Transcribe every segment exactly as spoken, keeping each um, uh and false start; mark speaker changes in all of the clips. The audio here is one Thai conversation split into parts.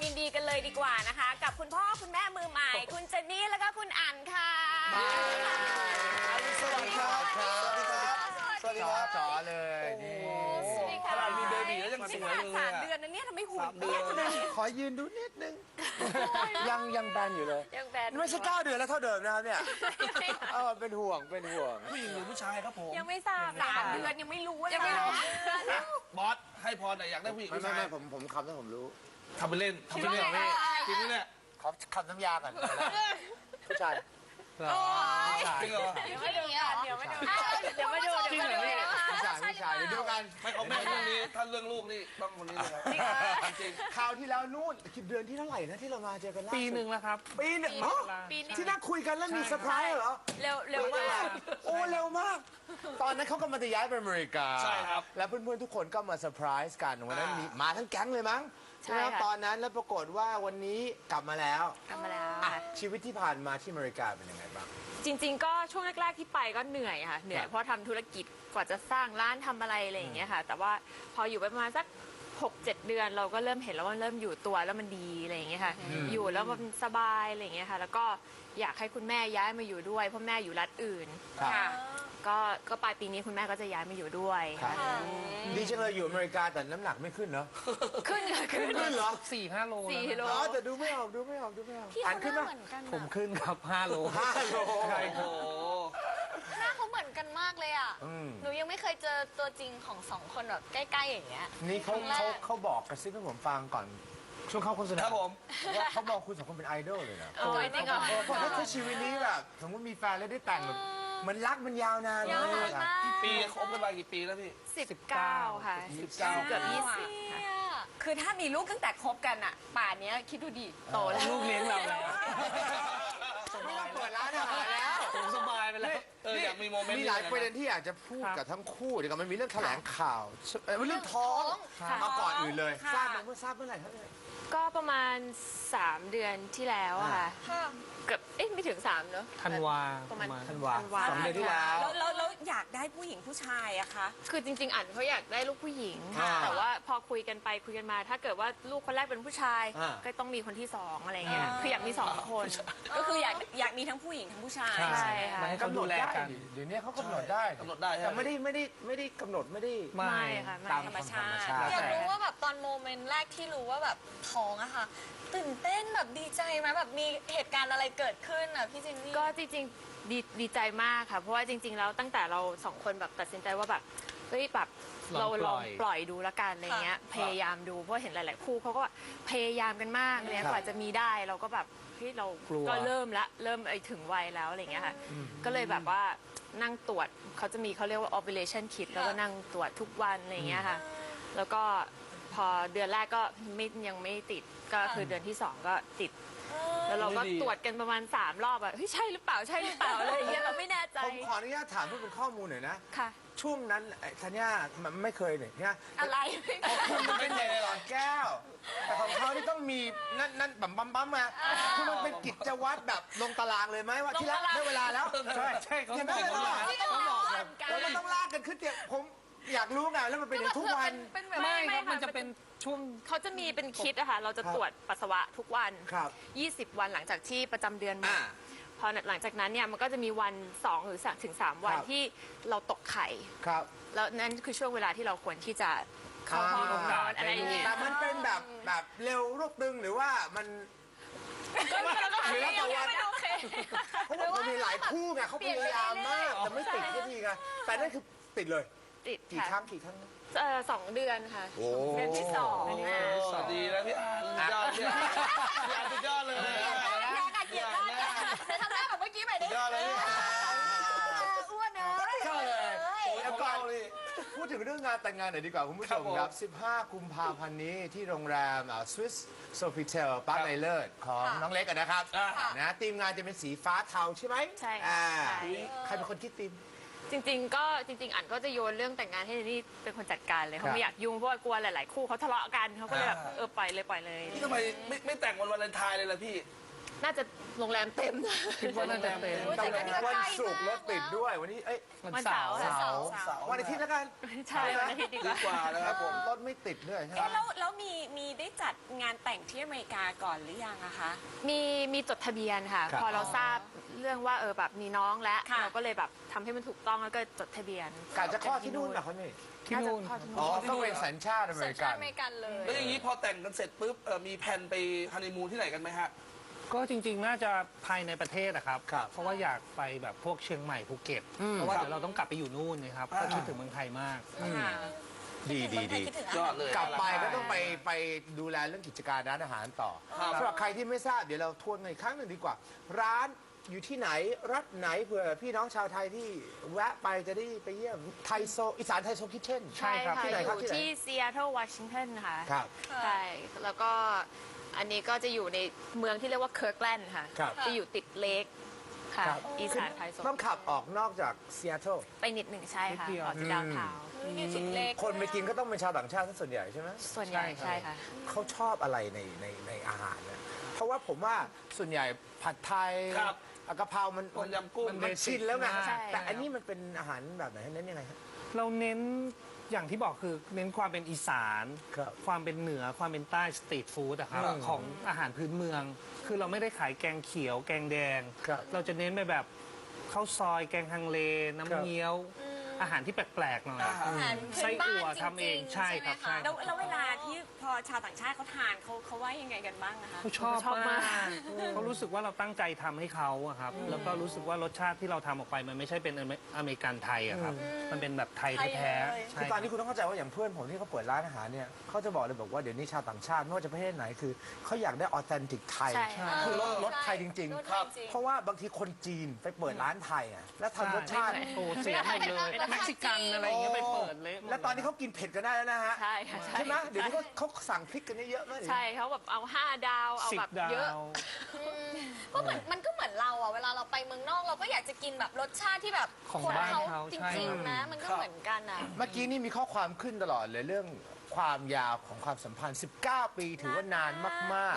Speaker 1: ยินดีกันเลยดีกว่านะคะ กับคุณพ่อคุณแม่มือใหม่ คุณเจนนี่แล้วก็คุณอั๋นค่ะ
Speaker 2: สวัสดีครับสวัสดีครับจ๋อเลยนี่
Speaker 1: สวัสดีค่ะ
Speaker 3: ขนาดมีเบบีแล้วยังสวยเลย
Speaker 1: สามเดือนนะเนี่ยทำไมหุ่น
Speaker 3: เดือน
Speaker 2: ขอยืนดูนิดนึงยังยังแบนอยู่เลย
Speaker 1: ยังแบน
Speaker 2: ไม่ใช่เก้าเดือนแล้วเท่าเดิมนะครับเนี่ยเออเป็นห่วงเป็นห่วง
Speaker 3: ผู้หญิงหรือผู้ชายครับผม
Speaker 1: ยังไม่ทราบสามเดือนยังไม่รู้ว่ายังไม่รู้
Speaker 3: บอสให้พรหน่อยอยากได้ผู้หญิง
Speaker 2: ไม่
Speaker 3: ผู้
Speaker 2: ไม่
Speaker 3: ชาย
Speaker 2: ไม่ผมผมคำนั้นผมรู้
Speaker 3: ทำไปเล่นทำไปเล่นจริงไหมเนี่ย
Speaker 2: ขอคำน้ำยาก่อนผู้ชาย
Speaker 3: จริงเหรอ
Speaker 1: เดี๋ยวมาดูกันเดี๋ยวมาดูเดี๋ยวมาดู
Speaker 3: จริงเหรอพี่
Speaker 2: ผู้ชายผู้ชายเดี๋ยวดูกัน
Speaker 3: ไม่เขาแม่เรื่องนี้ถ้าเรื่องลูกนี่ต้องคนนี้เลยครับจริง
Speaker 2: คราวที่แล้วนู่นคิดเดือนที่เท่าไหร่นะที่เรามาเจอกันล่าสุด
Speaker 4: ปีหนึ่งแล้วครับ
Speaker 2: ปีหนึ่งอ๋อ
Speaker 1: ปีนี้
Speaker 2: ที่นั่งคุยกันแล้วมีเซอร์ไพรส์เหรอ
Speaker 1: เร็วเร็วมาก
Speaker 2: โอ้เร็วมาก ตอนนั้นเขากำลังจะย้ายไปอเมริกา
Speaker 3: ใช่ครับ
Speaker 2: แล้วเพื่อนๆทุกคนก็มาเซอร์ไพรส์กันวันนั้นมีมาทั้งแก๊งเลยมั้ง
Speaker 1: ใช่
Speaker 2: ไหม
Speaker 1: ค่ะ
Speaker 2: ตอนนั้นแล้วปรากฏว่าวันนี้กลับมาแล้ว
Speaker 1: กลับมาแล้ว
Speaker 2: อ่ะชีวิตที่ผ่านมาที่อเมริกาเป็นยังไงบ้าง
Speaker 1: จริงๆ ก็ช่วงแรกๆ ที่ไปก็เหนื่อยค่ะ เหนื่อยเพราะทำธุรกิจกว่าจะสร้างร้านทำอะไรอะไรอย่างเงี้ยค่ะ แต่ว่าพออยู่ไปประมาณสักหกเจ็ดเดือนเราก็เริ่มเห็นแล้วว่าเริ่มอยู่ตัวแล้วมันดีอะไรอย่างเงี้ยค่ะ อยู่แล้วมันสบายอะไรอย่างเงี้ยค่ะ แล้วก็อยากให้คุณแม่ย้ายมาอยู่ด้วยเพราะแม่อยู่รัฐอื่น
Speaker 2: ครับ
Speaker 1: ค่ะ ก็ก็ปลายปีนี้คุณแม่ก็จะย้ายมาอยู่ด้วย
Speaker 2: ครับดีจังเลยอยู่อเมริกาแต่น้ำหนักไม่ขึ้นเนาะ
Speaker 1: ขึ้นค่ะขึ้น
Speaker 2: ขึ้นเหรอ
Speaker 4: สี่ห้าโล
Speaker 1: สี่
Speaker 4: แล้ว
Speaker 1: โล
Speaker 2: อ๋อแต่ดูไม่ออกดูไม่ออกดูไม่ออกอ่านขึ้นไหม
Speaker 4: ผมขึ้นครับห้าโล
Speaker 2: ห้าโล
Speaker 3: โอ้โห
Speaker 5: หน้าเขาเหมือนกันมากเลยอ่ะ
Speaker 2: อืม
Speaker 5: หนูยังไม่เคยเจอตัวจริงของสองคนแบบใกล้ๆอย่างเงี้ย
Speaker 2: นี่เขา
Speaker 5: ครั้งแรก
Speaker 2: เขาเขาบอกกระซิบให้ผมฟังก่อนช่วงเข้าโฆษณา
Speaker 3: ครับผม
Speaker 2: ว่าเขาบอกคุณสองคนเป็นไอดอลเลยนะ
Speaker 1: โอ้ยจริงเหรอ
Speaker 2: เออเพราะถ้าชีวิตนี้แบบสมมติมีแฟนแล้วได้แต่งแบบเหมันรักมันยาวนาน
Speaker 5: ยาวนาน
Speaker 2: อะ
Speaker 5: มาก
Speaker 3: ปีคบกันมากี่ปีแล้วพี่
Speaker 1: สิบเก้าค่ะ
Speaker 3: สิบเก้า
Speaker 1: เกือบยี่สิบค่ะ
Speaker 5: เนี่ย
Speaker 6: คือถ้ามีลูกตั้งแต่คบกันอะป่านเนี้ยคิดดูดิ
Speaker 1: โตแล้ว
Speaker 4: ลูกเลี้ยงเราแล้ว
Speaker 2: ไม่ต้องเปิดร้านอาหารแล้ว
Speaker 4: ผมสบายไปแล้ว
Speaker 3: เอออยากมีโมเมนต์
Speaker 2: มีหลายประเด็นที่อยากจะพูด
Speaker 4: ครับ
Speaker 2: กับทั้งคู่เดี๋ยวกันมันมีเรื่องแถลงข่าวเอ่อเรื่องท้อง
Speaker 1: ค่ะ
Speaker 2: มาก่อนอื่นเลย
Speaker 6: ค่ะ
Speaker 2: ทราบไหมเมื่อทราบเมื่อไหร่ครับเนี่ย
Speaker 1: ก็ประมาณสามเดือนที่แล้วอะค่ะ
Speaker 5: ค่ะ
Speaker 1: เกือบเอ๊ะไม่ถึงสามเนอะ
Speaker 4: ธันวา
Speaker 1: ประมาณ
Speaker 2: ธันวา
Speaker 1: ธันวา
Speaker 2: สองเดือนที่แล้ว
Speaker 6: แล้วแล้วแล้วอยากได้ผู้หญิงผู้ชายอะคะ
Speaker 1: คือจริง ๆ อันเขาอยากได้ลูกผู้หญิง
Speaker 2: ค่ะ
Speaker 1: แต่ว่าพอคุยกันไปคุยกันมา ถ้าเกิดว่าลูกคนแรกเป็นผู้ชาย
Speaker 2: อ่า
Speaker 1: ก็ต้องมีคนที่สองอะไรเงี้ยคืออยากมีสองคน
Speaker 6: ก็คืออยากอยากมีทั้งผู้หญิงทั้งผู้ชาย
Speaker 1: ใช่ค่ะ
Speaker 4: มาให้เขา
Speaker 2: กำหน
Speaker 4: ดู
Speaker 2: ด
Speaker 4: แล
Speaker 2: ได้
Speaker 4: กัน
Speaker 2: เดี๋ยวนี้เขากำหนดได้
Speaker 3: กำหนดได้ใช่
Speaker 2: แต่
Speaker 3: ไหม
Speaker 2: ไม่ได้ไม่ได้ไม่ได้กำหนดไม่ได้
Speaker 4: ไม่
Speaker 1: ไม่ค่ะไม่
Speaker 2: ตาม
Speaker 6: ธรรมชาติ
Speaker 2: ธรรมชาติ
Speaker 5: อยากรู้ว่าแบบตอนโมเมนต์แรกที่รู้ว่าแบบท้องอะค่ะ ตื่นเต้นแบบดีใจไหมแบบมีเหตุการณ์อะไรเกิดขึ้นอะพี่จินนี่
Speaker 1: ก็จริงๆดีดีใจมากค่ะ เพราะว่าจริง ๆ แล้วตั้งแต่เราสองคนแบบตัดสินใจว่าแบบเฮ้ยแบบเราลองปล่อยดูละกันอะไรเงี้ยพยายามดูเพราะเห็นหลาย ๆ คู่เขาก็แบบพยายามกันมากเลยกว่าจะมีได้เราก็แบบเฮ้ยเราก็เริ่มละเริ่มไอ้ถึงวัยแล้วอะไรเงี้ยค่ะก็เลยแบบว่านั่งตรวจเขาจะมีเขาเรียกว่า ovulation kit แล้วก็นั่งตรวจทุกวันอะไรเงี้ยค่ะแล้วก็พอเดือนแรกก็ไม่ยังไม่ติดก็คือเดือนที่สองก็ติด แล้วเราก็ตรวจกันประมาณสามรอบอะเฮ้ยใช่หรือเปล่าใช่หรือเปล่าอะไรอย่างเงี้ยเราไม่แน่ใจ
Speaker 2: ผมขออนุญาตถามเพื่อเป็นข้อมูลหน่อยนะ
Speaker 1: ค่ะ
Speaker 2: ช่วงนั้นไอ้ธัญญามันไม่เคยเนี่ยเนี่ย
Speaker 1: อะไร
Speaker 2: คุณมันเป็นเด็กหลอดแก้ว แต่ของเขาที่ต้องมีนั่นนั่นบั๊มบั๊มบั๊มมาคือมันเป็นกิจวัตรแบบลงตารางเลยไหมว่าที่รักได้เวลาแล้ว
Speaker 4: ใช่ใช่เขา
Speaker 2: อย่าง
Speaker 4: บ
Speaker 2: นั้
Speaker 4: อน ก
Speaker 2: เลยเหรอ
Speaker 4: เขาบอกครับ
Speaker 2: แล้วมันต้องลากกันขึ้นเตียงผมอยากรู้ไงแล้วมันเป็นอย่างทุกวัน
Speaker 5: เป็นแบบ
Speaker 4: ไม่ครับมันจะเป็นช่วง
Speaker 1: เขาจะมีเป็นคิดอะค่ะเราจะ
Speaker 2: ครับ
Speaker 1: ตรวจปัสสาวะทุกวัน
Speaker 2: ครับ
Speaker 1: ยี่สิบวันหลังจากที่ประจำเดือนมา
Speaker 2: อ่า
Speaker 1: พอหลังจากนั้นเนี่ยมันก็จะมีวันสองหรือสามถึงสามวัน
Speaker 2: ครับ
Speaker 1: ที่เราตกไข่
Speaker 2: ครับ
Speaker 1: แล้วนั่นคือช่วงเวลาที่เราควรที่จะเข้าห้องนอนอะไรอย่างเงี้ย
Speaker 2: แต่มันเป็นแบบแบบเร็วรวบตึงหรือว่ามัน
Speaker 1: ก็เราก็
Speaker 2: หรือแล้วแต่วัน
Speaker 1: ไม่โอเค
Speaker 2: เพราะว่ามันมีหลายคู่ไงเขาพยายามมากแต่ไม่ติดสักทีไงแต่นั่นคือติดเลย
Speaker 1: ติด
Speaker 2: กี่ครั้
Speaker 1: ค่ะ
Speaker 2: งกี่ครั้ง
Speaker 1: เอ่อสองเดือนค่ะ
Speaker 2: โอ้
Speaker 1: เดือนที่สอง
Speaker 3: โอ้ดีแล้วพี่อาร์สุดยอดพี่อาร์พี่อาร์สุดยอดเลย
Speaker 5: แกอะเกลียดมากจะทำหน้าแบบเมื่อกี้ไปดิ
Speaker 3: ยอดเลยพี่อาร์
Speaker 5: อ้วนเนอะ
Speaker 2: ใช่เลย
Speaker 3: โอ้ยเก่าเลย
Speaker 2: พูดถึงเรื่องงานแต่งงานหน่อยดีกว่าคุณผู้ชม
Speaker 3: ครับผม
Speaker 2: ครับ สิบห้า กุมภาพันธ์นี้ที่โรงแรมสวิสโซฟิเทลปาร์คไนเลิศของน้องเล็กอะนะครับ
Speaker 3: อ่า
Speaker 2: นะทีมงานจะเป็นสีฟ้าเทาใช่ไหม
Speaker 1: ใช่ค่ะ
Speaker 2: อ่า
Speaker 1: ใช่
Speaker 2: ใครเป็นคนคิดทีม
Speaker 1: จริงๆ ก็จริง ๆ อันก็จะโยนเรื่องแต่งงานให้นี่เป็นคนจัดการเลย
Speaker 2: ครั
Speaker 1: เขา
Speaker 2: บ
Speaker 1: ไม่อยากยุ่งเพราะว่ากลัวหลาย ๆ คู่เขาทะเลาะกันเขาก็เลยแบบ
Speaker 3: อ่า
Speaker 1: เออปล่อยเลยปล่อยเลย
Speaker 3: นี่ทำไมไม่ไม่แต่งวันวาเลนไทน์เลยล่ะพี่
Speaker 1: น่าจะโรงแรมเต็ม
Speaker 4: คิดว่าน่าจะเป็น
Speaker 2: ต้องวันศุกร์รถติดด้วยวันนี้เอ้ย
Speaker 1: วันเสาร์
Speaker 2: เสา
Speaker 1: ค่ะ
Speaker 2: ร์
Speaker 3: เสาร์
Speaker 2: วันอาทิตย์แล้วกัน
Speaker 1: ใช่วันอาทิตย์ดีก
Speaker 3: ดี
Speaker 1: ว่า
Speaker 3: กว่านะครับผม
Speaker 2: รถไม่ติดด้วยใช่ไหม
Speaker 6: เอ๊ะแล้วแล้วมีมีได้จัดงานแต่งที่อเมริกาก่อนหรือยังอะคะ
Speaker 1: มีมีจดทะเบียนค่ะ
Speaker 2: ครับ
Speaker 1: พอเราทราบเรื่องว่าเออแบบมีน้องแล้ว
Speaker 6: ค่ะ
Speaker 1: เราก็เลยแบบทำให้มันถูกต้องแล้วก็จดทะเบียน
Speaker 2: กาจะคลอดที่นู่นเหรอเขานี่
Speaker 4: ที่นู่น
Speaker 1: าจะคลอดที่
Speaker 2: อ๋อ
Speaker 1: นู่น
Speaker 2: ต้องเป็นสัญชาติอเม
Speaker 5: สัญ
Speaker 2: ริ
Speaker 5: ชา
Speaker 2: กั
Speaker 5: ติ
Speaker 2: น
Speaker 5: อเมริกันเลย
Speaker 3: แล้วอย่างนี้พอแต่งกันเสร็จปุ๊บเอ่อมีแผนไปฮันนีมูนที่ไหนกันไหมฮะ
Speaker 4: ก็จริงๆ น่าจะภายในประเทศอะครับ
Speaker 2: ครับ
Speaker 4: เพราะว่าอยากไปแบบพวกเชียงใหม่ภูเก็ต
Speaker 2: อืม
Speaker 4: เพราะว่าเดี๋ยวเราต้องกลับไปอยู่นู่นนะครับ
Speaker 3: อ่า
Speaker 4: ก็คิดถึงเมืองไทยมาก
Speaker 6: ค่ะ
Speaker 2: ดีดีดี
Speaker 5: คิดถึง
Speaker 3: ยอดเลย
Speaker 2: กลับไปก็ต้องไปไปดูแลเรื่องกิจการร้านอาหารต่อ
Speaker 3: ครับ
Speaker 2: สำหรับใครที่ไม่ทราบเดี๋ยวเราทวนกันอีกครั้งหนึ่งดีกว่า ร้านอยู่ที่ไหนรัฐไหนเผื่อพี่น้องชาวไทยที่แวะไปจะได้ไปเยี่ยมไทยโซอีสานไทยโซคิทเช่น
Speaker 4: ใช่ครับ
Speaker 1: ค่ะ
Speaker 2: ที่ไหน
Speaker 1: อ
Speaker 2: ครับ
Speaker 1: ยู่
Speaker 2: ที่ไหน
Speaker 1: ที่ซีแอตเทิลวอชิงตันค่ะ
Speaker 2: ครับ
Speaker 1: ใช่ แล้วก็อันนี้ก็จะอยู่ในเมืองที่เรียกว่าเคิร์กแลนด์ค่ะ
Speaker 2: ครับ
Speaker 1: จะอยู่ติดเลกค่ะ
Speaker 2: ครับ
Speaker 1: อีสานไทยโซน
Speaker 2: ต้องขับออกนอกจากซีแอตเทิล
Speaker 1: ไปนิดหนึ่งใช่ค่ะ
Speaker 4: นิดเดียว
Speaker 1: ออกจากดาวน์ทาวน์
Speaker 5: อยู่ติดเล็ก
Speaker 2: คนไปกินก็ต้องเป็นชาวต่างชาติซะส่วนใหญ่ใช่ไหม
Speaker 1: ส่วนใหญ่
Speaker 4: ใช่
Speaker 1: ใช่
Speaker 4: ครับ
Speaker 1: ค่ะ
Speaker 2: เขาชอบอะไรในในในอาหารเนี่ยเพราะว่าผมว่าส่วนใหญ่ผัดไทย
Speaker 3: ครับ
Speaker 2: กะเพรามัน
Speaker 3: ต้มยำกุ้ง
Speaker 2: มันมันชินแล้วไง
Speaker 1: ใช่
Speaker 2: แต่อันนี้มันเป็นอาหารแบบไหนเน้นยังไงครับ
Speaker 4: เราเน้นอย่างที่บอกคือเน้นความเป็นอีสาน
Speaker 2: ครับ
Speaker 4: ความเป็นเหนือความเป็นใต้สตรีทฟู้ดอะครับ
Speaker 2: อืม
Speaker 4: ของอาหารพื้นเมือง คือเราไม่ได้ขายแกงเขียว แกงแดง
Speaker 2: ครับ
Speaker 4: เราจะเน้นไปแบบข้าวซอยแกงฮังเล น้ำ
Speaker 2: ครับ
Speaker 4: เงี้ยว อาหารที่แปลกๆหน่อย
Speaker 3: อ่า
Speaker 5: อาหารพื้
Speaker 4: ไส้
Speaker 5: นบ้า
Speaker 4: อั่วน
Speaker 5: จ
Speaker 4: ทำเอ
Speaker 5: ริ
Speaker 4: ง
Speaker 5: งๆ
Speaker 4: ใช่ครับ
Speaker 5: ไหมะ
Speaker 4: ใช่
Speaker 6: แล้วแล้วเวลาที่พอชาวต่างชาติเขาทานเขาเขาว่ายังไงกันบ้างนะคะ
Speaker 4: เขาชอบ
Speaker 1: ชอบมาม
Speaker 4: าก กเขารู้สึกว่าเราตั้งใจทำให้เขาอะครับ แล้วก็รู้สึกว่ารสชาติที่เราทำออกไปมันไม่ใช่เป็นอเมอเมริกันไทยอะครับ มันเป็นแบบไทยแท้ๆใช่
Speaker 2: คือตอนนี้คุณต้องเข้าใจว่าอย่างเพื่อนผมที่เขาเปิดร้านอาหารเนี่ยเขาจะบอกเลยบอกว่าเดี๋ยวนี้ชาวต่างชาติไม่ว่าจะประเทศไหนคือเขาอยากได้ออเทนติกไทย
Speaker 1: ใช่
Speaker 2: คือรสรสไทยจริง
Speaker 5: รส
Speaker 2: ๆ
Speaker 5: ไทยจริง
Speaker 2: เพราะว่าบางทีคนจีนไปเปิดร้านไทยอ่ะแล้วทำรสชาติ
Speaker 4: โอ้เสียหมดเลยเม็กซิกันอะไรอย่างเงี้ยไปเปิดเละหมด
Speaker 2: แล้วตอนนี้เขากินเผ็ดกันได้แล้วนะฮะ
Speaker 1: ใช่ค่ะใช่
Speaker 2: ใช่ไหมเดี๋ยวนี้เขาเขาสั่งพริกกันเยอะๆมาก
Speaker 1: ใช่เขาแบบเอาห้าดาว เอา
Speaker 4: สิบ
Speaker 1: แบบ
Speaker 4: ดา
Speaker 1: เยอะ
Speaker 4: ว
Speaker 5: ก็เหมือนมันก็เหมือนเราอะเวลาเราไปเมืองนอกเราก็อยากจะกินแบบรสชาติที่แบบ
Speaker 4: ของ
Speaker 5: คน
Speaker 4: บ้าน
Speaker 5: เขา
Speaker 4: เขา
Speaker 5: จ
Speaker 4: ใช่
Speaker 5: ริงๆนะมันก็เหมือนกันอะ
Speaker 2: เมื่อกี้นี่มีข้อความขึ้นตลอดเลยเรื่องความยาวของความสัมพันธ์ สิบเก้า ปีถือว่านานมาก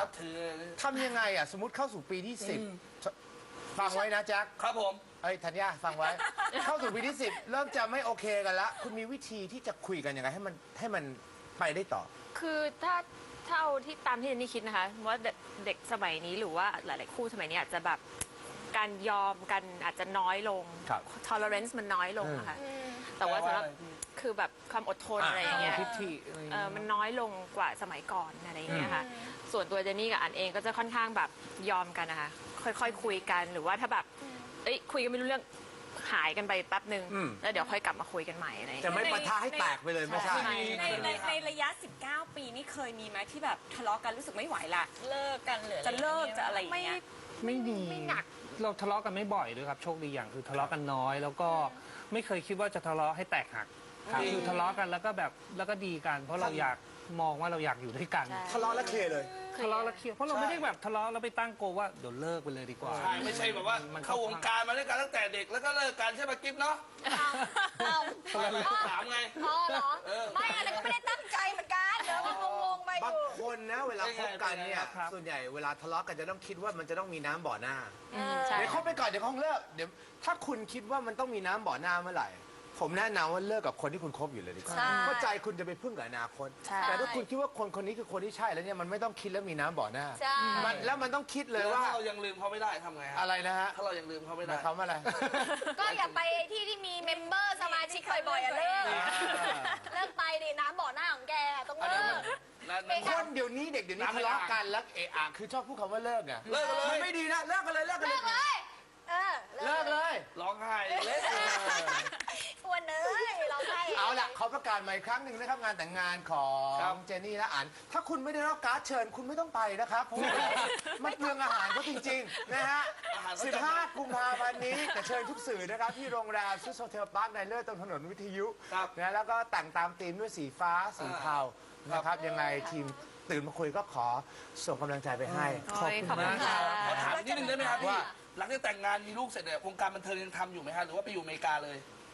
Speaker 3: นับถือ
Speaker 2: ๆทำยังไงอ่ะสมมติเข้าสู่ปีที่สิบฟังไว้นะแจ็ค
Speaker 3: ครับผม
Speaker 2: เอ้ยธัญญาฟังไว้ เข้าสู่ปีที่สิบเริ่มจะไม่โอเคกันละคุณมีวิธีที่จะคุยกันยังไงให้มันให้มันไปได้ต่อ
Speaker 1: คือถ้าถ้าเอาที่ตามที่เจนนี่คิดนะคะว่าเด็กเด็กสมัยนี้หรือว่าหลาย ๆ คู่สมัยนี้อาจจะแบบการยอมกันอาจจะน้อยลง
Speaker 2: ครับ
Speaker 1: tolerance มันน้อยลงอะค่ะ
Speaker 5: อืม
Speaker 1: แต่ว่าสำหรับคือแบบความอดทน
Speaker 2: อ่ะ
Speaker 1: อะไรอย่างเงี้ย
Speaker 4: ทิฐิอะไรอย่าง
Speaker 1: เอ
Speaker 4: เงี้
Speaker 1: อย มันน้อยลงกว่าสมัยก่อนอะไรอย่างเงี้ยค่ะ ส่วนตัวเจนนี่กับอันเองก็จะค่อนข้างแบบยอมกันนะคะ ค่อย ๆ คุยกันหรือว่าถ้าแบบเอ้ยคุยกันไม่รู้เรื่องหายกันไปแป๊บหนึ่ง
Speaker 2: อืม
Speaker 1: แล้วเดี๋ยวค่อยกลับมาคุยกันใหม่อะไรอย่าง
Speaker 2: จะ
Speaker 1: เงี้ย
Speaker 2: ไม่ปะทะให้แตกไปเลยไม่ใช่
Speaker 1: ใช่
Speaker 6: ในในในระยะ สิบเก้า ปีนี่เคยมีไหมที่แบบทะเลาะกันรู้สึกไม่ไหวละ
Speaker 5: เลิกกันหรืออไร
Speaker 6: จะเลิกจะอะไรอย่าง
Speaker 1: ไม่
Speaker 6: เงี้ย
Speaker 4: ไม่มี
Speaker 1: ไม่หนัก
Speaker 4: เราทะเลาะกันไม่บ่อยด้วยครับโชคดีอย่างคือทะเลาะกันน้อย แล้วก็ไม่เคยคิดว่าจะทะเลาะให้แตกหัก
Speaker 2: ครับ
Speaker 4: คือทะเลาะกันแล้วก็แบบแล้วก็ดีกัน เพราะเราอยากมองว่าเราอยากอยู่ด้วยกัน
Speaker 1: ใช่
Speaker 2: ทะเลาะแล้วเคลียร์เลย
Speaker 4: ทะเลาะแล้วเคลียร์เพราะเราไม่ได้แบบทะเลาะแล้วไปตั้งโกว่าเดี๋ยวเลิกไปเลยดีกว่า
Speaker 3: ใช่ไม่ใช่แบบว่า
Speaker 4: มัน
Speaker 3: เข้าวงการมาด้วยกันตั้งแต่เด็กแล้วก็เลิกกันใช่ไหมกิ๊บเนาะ
Speaker 5: เอา
Speaker 3: ถามไง
Speaker 5: อ๋อเหรอ
Speaker 3: เออ
Speaker 5: ไม่อะไรก็ไม่ได้ตั้งใจเหมือนกันเดี๋ยวมันงงๆไปอบ
Speaker 2: าง
Speaker 5: ยู่
Speaker 2: คนนะเวลาคบกันเนี่ย
Speaker 4: ครับ
Speaker 2: ส่วนใหญ่เวลาทะเลาะกันจะต้องคิดว่ามันจะต้องมีน้ำบ่อหน้า
Speaker 1: อืมใช่
Speaker 2: เดี๋ยวคบไปก่อนเดี๋ยวคงเลิกเดี๋ยวถ้าคุณคิดว่ามันต้องมีน้ำบ่อหน้าเมื่อไหร่ ผมแนะนำว่าเลิกกับคนที่คุณคบอยู่เลยดีกว่า
Speaker 5: ใช่
Speaker 2: เพราะใจคุณจะไปพึ่งกับอนาคต
Speaker 1: ใช่
Speaker 2: แต่ถ้าคุณคิดว่าคนคนนี้คือคนที่ใช่แล้วเนี่ยมันไม่ต้องคิดแล้วมีน้ำบ่อหน้า
Speaker 5: ใช่
Speaker 2: มันแล้วมันต้องคิดเลย
Speaker 3: แล้ว
Speaker 2: ว่า
Speaker 3: ถ้าเรายังลืมเขาไม่ได้ทำไงฮะ
Speaker 2: อะไรนะฮะ
Speaker 3: ถ้าเรายังลืมเขาไม่
Speaker 2: ห
Speaker 3: ได้
Speaker 2: มายความว่าอะไร
Speaker 5: ก็อย่าไปที่ที่มีเมมเบอร์สมาชิกบ่อยๆอะเลิกเลิกไปดิน้ำบ่อหน้าของแกต้อง
Speaker 3: อัน
Speaker 5: เลิ
Speaker 3: นั้น
Speaker 5: ก
Speaker 3: นั่นนั่น
Speaker 2: คนเดี๋ยวนี้เด็กเดี๋ยวนี้
Speaker 3: น้ำไม่
Speaker 2: ทะเลาะ
Speaker 3: อาบ
Speaker 2: กันแล้วเอะอะคือชอบพูดคำว่าเลิกไง
Speaker 3: เลิกกันเลย
Speaker 2: มันไม่ดีนะเลิกกันเลยเลิกกันเล
Speaker 5: เลิ
Speaker 2: ย
Speaker 5: กเลยเออ
Speaker 2: เลิกเลย
Speaker 3: ร้องไห้เละ
Speaker 5: อ้วนเอ้ยเราให้
Speaker 2: เอาล่ะเขาประกาศมาอีกครั้งหนึ่งนะครับงานแต่งงานของเจนนี่และอัน ถ้าคุณไม่ได้รับการ์ดเชิญคุณไม่ต้องไปนะครับเพราะว่ามันเปลืองอาหารเขาจริงๆนะฮะ สิบห้า กุมภาพันธ์นี้แต่เชิญทุกสื่อนะครับ ที่โรงแรมซูโซเทลพาร์คในเลิศตรงถนนวิทยุ
Speaker 3: ครับ
Speaker 2: นะแล้วก็แต่งตามธีมด้วยสีฟ้าสีเทานะครับยังไงทีมตื่นมาคุยก็ขอส่งกำลังใจไปให้
Speaker 1: โอ้ยขอบคุณค่ะ
Speaker 3: ขอถามนิดนึงได้ไหมครับพี่
Speaker 2: ว่า
Speaker 3: หลังจากแต่งงานมีลูกเสร็จเนี่ยวงการบันเทิงยังทำอยู่ไหมฮะหรือว่าไปอยู่อเมริกาเลย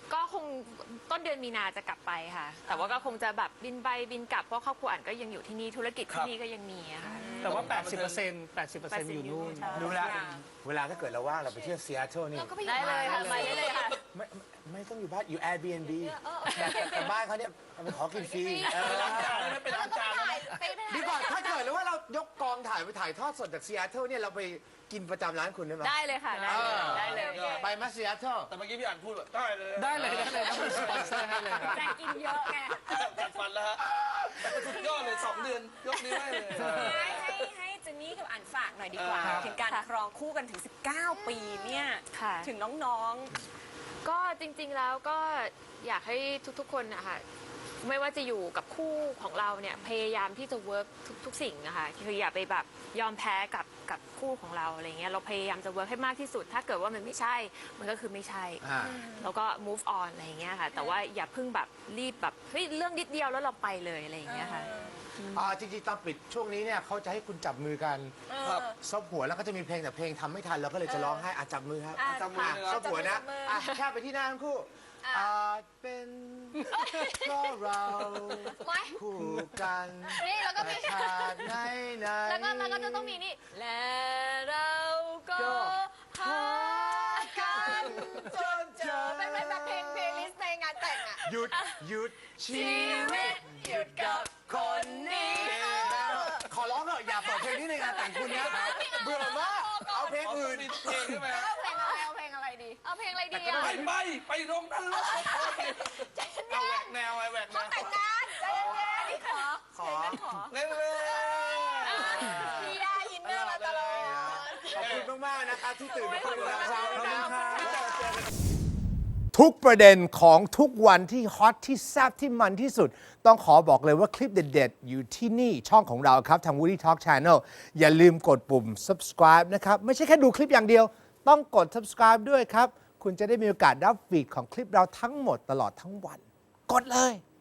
Speaker 1: ก็คงต้นเดือนมีนาจะกลับไปค่ะ แต่ว่าก็คงจะแบบบินไปบินกลับเพราะครอบครัวอันก็ยังอยู่ที่นี่ธุรกิจ
Speaker 3: ครั
Speaker 1: ที่
Speaker 3: บ
Speaker 1: นี่ก็ยังมีอะค่ะ
Speaker 4: แต่ว่า แปดสิบเปอร์เซ็นต์ แปดสิบเปอร์เซ็นต์ อยู่นู่น
Speaker 1: ใช่
Speaker 2: รู้แล้วเวลาถ้าเกิดเราว่างเราไปเที่ยวซีแอตเทิลนี่
Speaker 5: เราก็ไปอยู่
Speaker 1: ได้เลยค่ะ
Speaker 5: บ้าน
Speaker 1: ไปได้เลยค่ะ
Speaker 2: ไม่ไม่ไม่ต้องอยู่บ้านอยู่ Airbnb
Speaker 5: เออ
Speaker 2: แต่แต่บ้านเขาเนี่ยไปขอกินฟรีเออ
Speaker 3: ล้างจานแล้วไปล้างจานแล้วนะ
Speaker 5: ไปไป
Speaker 2: ดีก่อนถ้าเกิดเลยว่าเรายกกองถ่ายไปถ่ายทอดสดจากซีแอตเทิลเนี่ยเราไปกินประจำร้านคุณได้ไหม
Speaker 1: ได้เลยค่ะ ได้
Speaker 2: เอ
Speaker 1: เลย
Speaker 2: อ
Speaker 1: ได้เลย
Speaker 2: ไปมาซีแอตเทิล
Speaker 3: แต่เมื่อกี้พี่อ่านพูดแบบได้เลย
Speaker 4: ได้เลยได้เลยต้องมีสปอนเซอร์ให้เลยครับ
Speaker 6: แต่กินเยอะไง
Speaker 3: จัดฟันแล้วฮะสุดยอดเลยสองเดือนยกนิ้วให้เลย
Speaker 6: ให้ให้ให้เจนนี่กับอันฝากหน่อยดีกว่า
Speaker 3: ครับ
Speaker 6: ถึงการครองคู่กันถึง สิบเก้า ปีเนี่ย
Speaker 1: ค่ะ
Speaker 6: ถึงน้อง
Speaker 1: ก็จริงๆแล้วก็อยากให้ทุกๆคนนะคะไม่ว่าจะอยู่กับคู่ของเราเนี่ยพยายามที่จะเวิร์กทุกๆสิ่งนะคะคืออย่าไปแบบยอมแพ้กับกับคู่ของเราอะไรเงี้ยเราพยายามจะเวิร์กให้มากที่สุด ถ้าเกิดว่ามันไม่ใช่ มันก็คือไม่ใช่
Speaker 2: อ่า
Speaker 1: แล้วก็ move on อะไรอย่างเงี้ยค่ะ แต่ว่าอย่าเพิ่งแบบรีบแบบเฮ้ยเรื่องนิดเดียวแล้วเราไปเลยอะไรอย่างเงี้ยค่ะ
Speaker 2: อ่าจริงๆตอนปิดช่วงนี้เนี่ยเขาจะให้คุณจับมือกัน
Speaker 3: ครับ
Speaker 2: ซบหัวแล้วก็จะมีเพลงแต่เพลงทำไม่ทันเราก็เลยจะร้องให้อ่ะจับมือครับ
Speaker 5: อ่ะ
Speaker 3: จับมือ
Speaker 2: อ่ะ
Speaker 3: เลยค
Speaker 2: ซ
Speaker 3: รับบ
Speaker 2: หัวนะ
Speaker 5: จับมืออ่
Speaker 2: อ่ะแค่ไปที่หน้าทั้งคู่อาจเป็นเพราะเรา
Speaker 5: ไม่
Speaker 2: คู่กัน
Speaker 5: นี่แล้วก็มี
Speaker 2: แต่ชาติไหนไหน
Speaker 5: แล้วก็แล้วก็จะต้องมีนี่ และเราก็
Speaker 2: ก็
Speaker 5: หากัน
Speaker 2: จนเจอ
Speaker 5: เป็นแบบแบบเพลงเพลงลิสต์ในงานแต่งอะ
Speaker 2: หยุดหยุดชี
Speaker 5: ชี
Speaker 2: วิ
Speaker 5: วิ
Speaker 2: ต
Speaker 5: ตหยุดกับคนนี้
Speaker 2: ขอร้องเถอะอย่าเปิดเพลงนี้ในงานแต่งคุณนะเบื่อมากเอาเพลงอื่น
Speaker 3: มีเพลงใช่ไหมฮะ
Speaker 5: เอาเพลงอะไรเอาเพลงอะไรดี เอาเพลงอะไรดีอะ
Speaker 3: ไปไปไปลงนั่นเลยเอาแหวกแนวไอ้แหวกแนว
Speaker 5: แต่งงานใจเย็นๆอันนี้ขอ
Speaker 2: ขอ
Speaker 3: เล่นเลย
Speaker 5: พี่ได้ยินเนอร์มาตลอด
Speaker 2: ขอบคุณมากๆนะครับที่ตื่นมาคุยกับเราเช้า
Speaker 4: ขอบ
Speaker 2: นี้
Speaker 4: คุณ
Speaker 2: นะ
Speaker 4: ครับ
Speaker 2: ทุกประเด็นของทุกวันที่ฮอตที่แซ่บที่มันที่สุด ต้องขอบอกเลยว่าคลิปเด็ดๆ อยู่ที่นี่ช่องของเราครับ ทาง Woody Talk Channel อย่าลืมกดปุ่ม subscribe นะครับ ไม่ใช่แค่ดูคลิปอย่างเดียว ต้องกด subscribe ด้วยครับ คุณจะได้มีโอกาสรับฟีดของคลิปเราทั้งหมดตลอดทั้งวัน กดเลย